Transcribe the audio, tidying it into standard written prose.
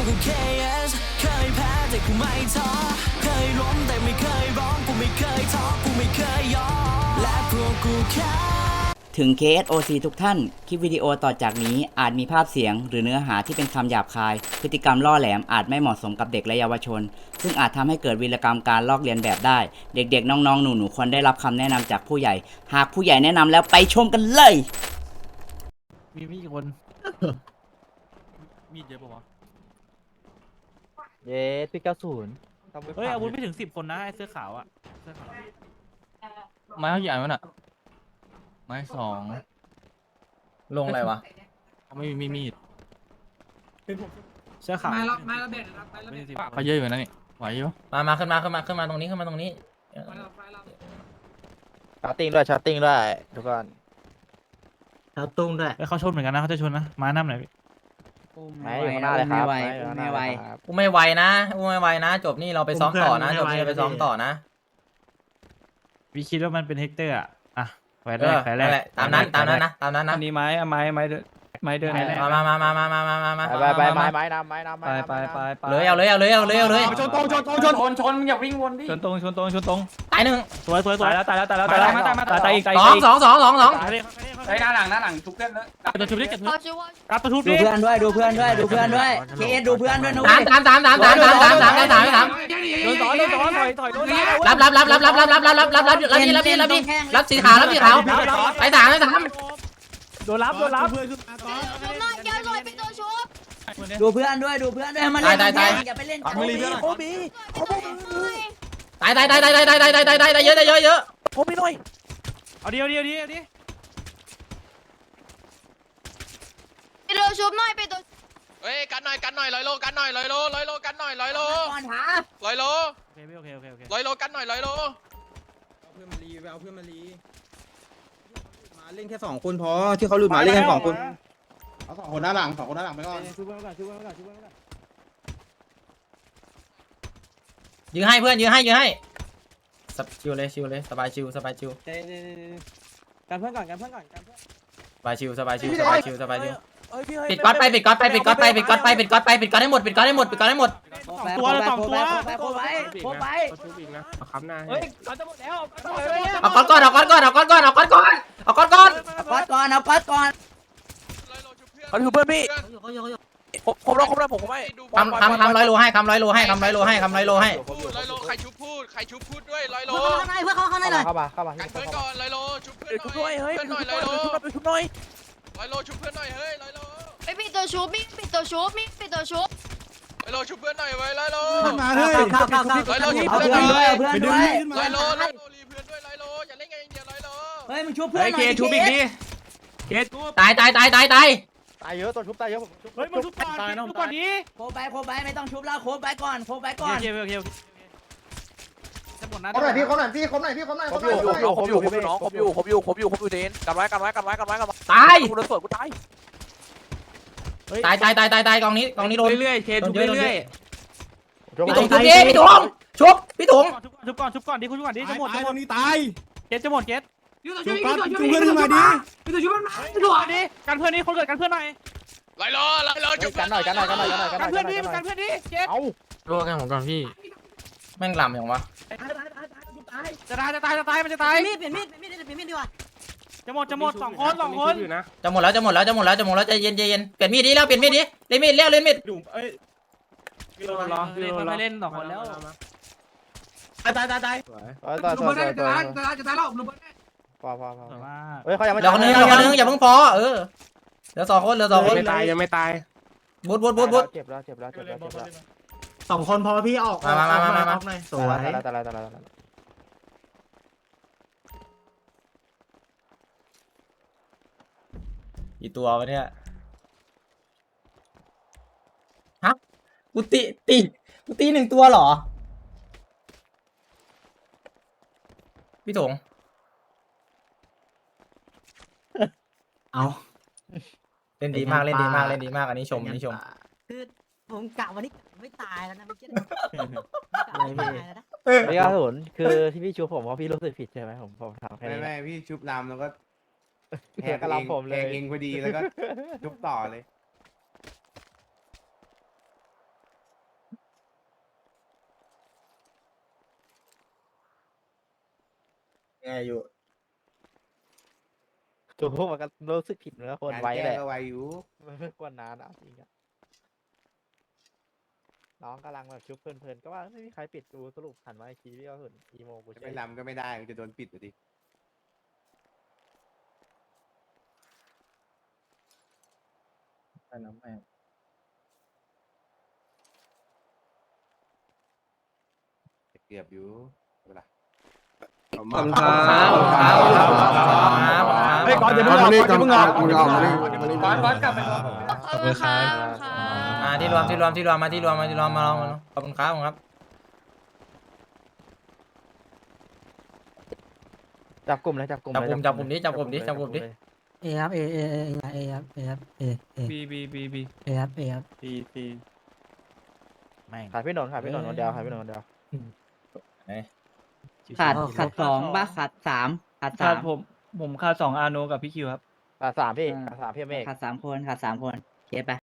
กู KS เคยแพ้แต่กูไม่ท้อเคยล้มแต่ไม่เคยร้องกูไม่เคยท้อกูไม่เคยยอมและพวกกูแค่ถึง KSOC ทุกท่าน คลิปวิดีโอต่อจากนี้อาจมีภาพเสียงหรือเนื้อหาที่เป็นคำหยาบคาย พฤติกรรมล่อแหลมอาจไม่เหมาะสมกับเด็กและเยาวชน ซึ่งอาจทำให้เกิดวีรกรรมการลอกเลียนแบบได้ เด็กๆ น้องๆ หนูๆ ควรได้รับคำแนะนำจากผู้ใหญ่ หากผู้ใหญ่แนะนำแล้วไปชมกันเลยมีกี่คน มีเยอะปะวะเย้ปี90 เฮ้ยอาวุธไม่ถึง10 คนนะไอ้เสื้อขาวอะเสื้อขาวไม้เท่ากี่อันวะน่ะไม้2ลงอะไรวะไม่มีมีดเสื้อขาวไม้ละเบ็ดนะครับไม้ละเบ็ดเขาเยอะอยู่นะนี่ไหวอยู่มาขึ้นมาตรงนี้ไฟละชาร์ติ้งด้วยชาร์ติ้งด้วยทุกคนแล้วตุ้งด้วยเฮ้ยเขาชนเหมือนกันนะเขาจะชนนะมาน้ำไหนอยพี่ไม่อยู่ข้างหน้าเลยครับไม่ไหวกูไม่ไวนะจบนี่เราไปซ้อมต่อนะจบนี่เราไปซ้อมต่อนะพี่คิดว่ามันเป็นเฮกเตอร์อะไฟแรเอก อไฟแรนั่กนแหละตามนั้นนะอันนี้ไม้เดินไม้เดินมาไม้แรกมาไปไม้น้ำไปเลยเอาเลยชนตรงอย่าวิ่งวนดิชนตรงตายหนึ่งสวยตายแล้วตายอีกสองไอ้หน้าหลังทุกเส้นเลยตัวชุบดิเก็บเขาชื่อว่ารับตัวชุบดูดิเพื่อนด้วยดูเพื่อนด้วยเคสดูเพื่อนด้วยนะเว้ยสามโดนสอนถอยโดนรับสีขาวไปสามโดนรับชุบหน่อยแก้วลอยเป็นตัวชุบดูเพื่อนด้วยมาเล่นอย่าไปเล่นกันโอ้บีตายเยอะเอาเดียวเป็นตัวชุบหน่อยเป็นตัวเฮ้ยกันหน่อย100 โลกันหน่อย100 โลกันหน่อย100 โลก่อนหา 100 โลโอเค 100 โลกันหน่อย100 โลเอาเพื่อนมาเล่นแค่2 คนพอที่เขาหลุดมาเล่นแค่2 คนเอา2 คนหน้าหลังไปก่อนยื้อให้เพื่อนยื้อให้ชิวเลยสบายชิวกันเพื่อนก่อนสบายชิวปิดก๊อตไปปิดก๊อตให้หมดตัวโคไว้เฮ้ยเขาจะหมดแล้วเอาก๊อตก่อนเอาก๊อตก่อน 100 โลชุบเพื่อนเขาถือเพื่อนพี่ครบแล้วผมไม่คำ100 โลให้คำ100 โลให้ 100 โลใครชุบพูดด้วย100 โลข้างในเพื่อนเข้าในหน่อยเข้ามากันเพื่อนก่อน100 โลชุบเพื่อนชุบด้วยเฮ้ยเพื่อนหน่อย100 โลชุบหน่อย 100 โลชุบเพื่อนหน่อยเฮ้ย100 โลไม่ปิดตัวชุบมีปิดตัวชุบ 100 โลชุบเพื่อนหน่อยเว้ย100 โลมาเฮ้ยเอาเพื่อนด้วย 100 โลรีเพื่อนด้วย100 โลอย่าเล่นกันอย่างเดียว100 โลเฮ้ยมึงชุบเพื่อนหน่อยเคชุบอีกดิเคตายตายเยอะตัวชุบตายเยอะเฮ้ยมึงชุบก่อนดิโคไปไม่ต้องชุบแล้วโคไปก่อนโอเคจะหมดนะครบหน่อยพี่ครบหน่อยน้องครบอยู่เดนกันไว้ตายกูโดนสวนกูตายตายกองนี้โดนเรื่อยๆเคชุบเรื่อยพี่ถุงชุบพี่ถุงชุบก่อนดิคุณชุบก่อนดิจะหมดตรงนี้ตายเก็ตจะหมดเก็ตชุบเพื่อนขึ้นมาดิชุบดิกันเพื่อนนี่คนเกิดกันเพื่อนหน่อย 100 โลชุบกันหน่อยกันเพื่อนดิเก็ตเอารัวกันผมก่อนพี่แม่งลำอย่างวะจะตายมันจะตายมีดเปลี่ยนมีดดีกว่าจะหมด2 คนจะหมดแล้วใจเย็นเปลี่ยนมีดดิแล้วเปลี่ยนมีดดิเล่นมีดเล่นมีดรอไม่เล่น2 คนแล้วต่อจะตายแล้วพอเฮ้ยเขายังไม่เดี๋ยวคนนึงอย่าเพิ่งพอเหลือ2 คนยังไม่ตายบูดเจ็บแล้ว 2 คนพอพี่ออกมาสวยตายกี่ตัววะเนี่ยฮะกูตี1 ตัวเหรอพี่ถุงเอาเล่นดีมากอันนี้ชมคือผมกะวันนี้ไม่ตายแล้วนะไม่คิดปี90คือที่พี่ชูผมเพราะพี่รู้สึกผิดใช่ไหมผมทำแค่นี้ไม่พี่ชุบลำแล้วก็แหกกระลำผมเลยเองพอดีแล้วก็ชุบต่อเลยอยู่จุ๊บมันก็รู้สึกผิดเนื้อคนไว้แหละก็ไวอยู่มันไม่ควรนานนะจริงอะน้องกำลังแบบชุบเพลินๆก็ว่าไม่มีใครปิดกูสรุปหันมาอีกทีพี่ก็เห็นอีโมกูไม่ลำก็ไม่ได้มันจะโดนปิดอยู่ดิไปน้ำแม่เกือบอยู่เวลาขอบคุณครับเฮ้ยก่อนอย่าเพิ่งออกก่อนอย่าเพิ่งออกบอสกลับไปก่อนขอบคุณค่ะที่รวมมาลองขอบคุณครับจับกลุ่มเลยจับกลุ่มจับกลุ่มดิเอครับเอครับเอครับเอบีเอครับเอครับตีขายพี่หนนคนเดียวขายพี่หนนคนเดียวขาดสองบ้าขาดสามผมค่า2อาโนกับพี่คิวครับสามพี่เมฆขาด3 คนเคสไป